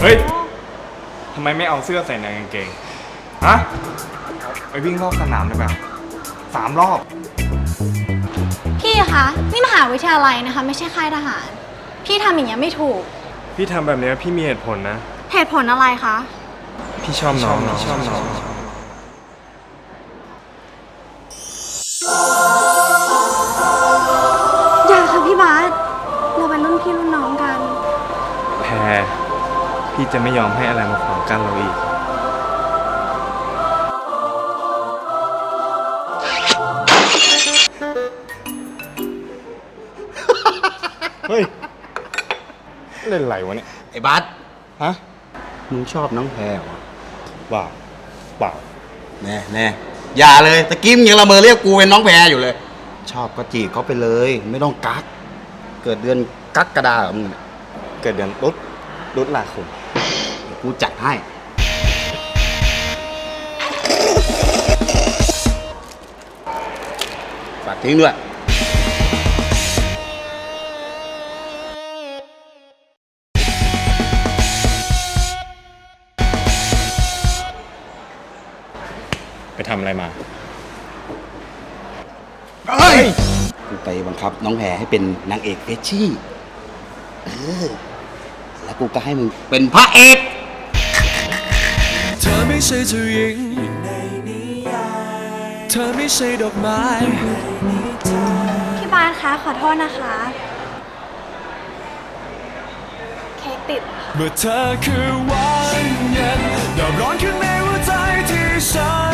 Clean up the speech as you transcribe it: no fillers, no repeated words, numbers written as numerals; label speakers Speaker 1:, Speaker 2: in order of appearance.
Speaker 1: เฮ้ยทำไมไม่เอาเสื้อใส่ในกางเกงฮะไปวิ่งรอบสนามเลยแบบ3 รอบ
Speaker 2: พี่คะนี่มหาวิทยาลัยนะคะไม่ใช่ค่ายทหารพี่ทำอย่างนี้ไม่ถูก
Speaker 1: พี่ทำแบบนี้พี่มีเหตุผลนะ
Speaker 2: เหตุผลอะไรคะ
Speaker 1: พี่ชอบน้อง
Speaker 2: อย่าค่ะพี่บาสเราเป็นรุ่นพี่รุ่นน้องกัน
Speaker 1: แพรพี่จะไม่ยอมให้อะไรมาขวางกั้นเราอีกเฮ้ยเล่นไรวะเนี่ย
Speaker 3: ไอ้บัส
Speaker 1: ฮะ
Speaker 3: มึงชอบน้องแพรวะ
Speaker 1: เปล่า
Speaker 3: แน่อย่าเลยตะกี้มึงยังละเมอเรียกกูเป็นน้องแพรอยู่เลย ชอบก็จีบเขาไปเลยไม่ต้องกักเกิดเดือนกักกระดามึง
Speaker 1: เกิดเดือนรุดลาคม
Speaker 3: กูจัดให้ฝากทิ้งด้วย
Speaker 1: ไปทำอะไรมา
Speaker 3: กูไปบังคับน้องแพรให้เป็นนางเอกเฟชชี่แล้วกูก็ให้มึงเป็นพระเอก
Speaker 4: เธอไม่ใช่เจ้าหญิงเธอไม่ใช่ดอกไม้
Speaker 2: พี่บาสคะขอโทษนะคะเค้กติด
Speaker 4: เมื่อเธอคือวันเย็นดาวร้อนขึ้นในหัวใจที่ฉัน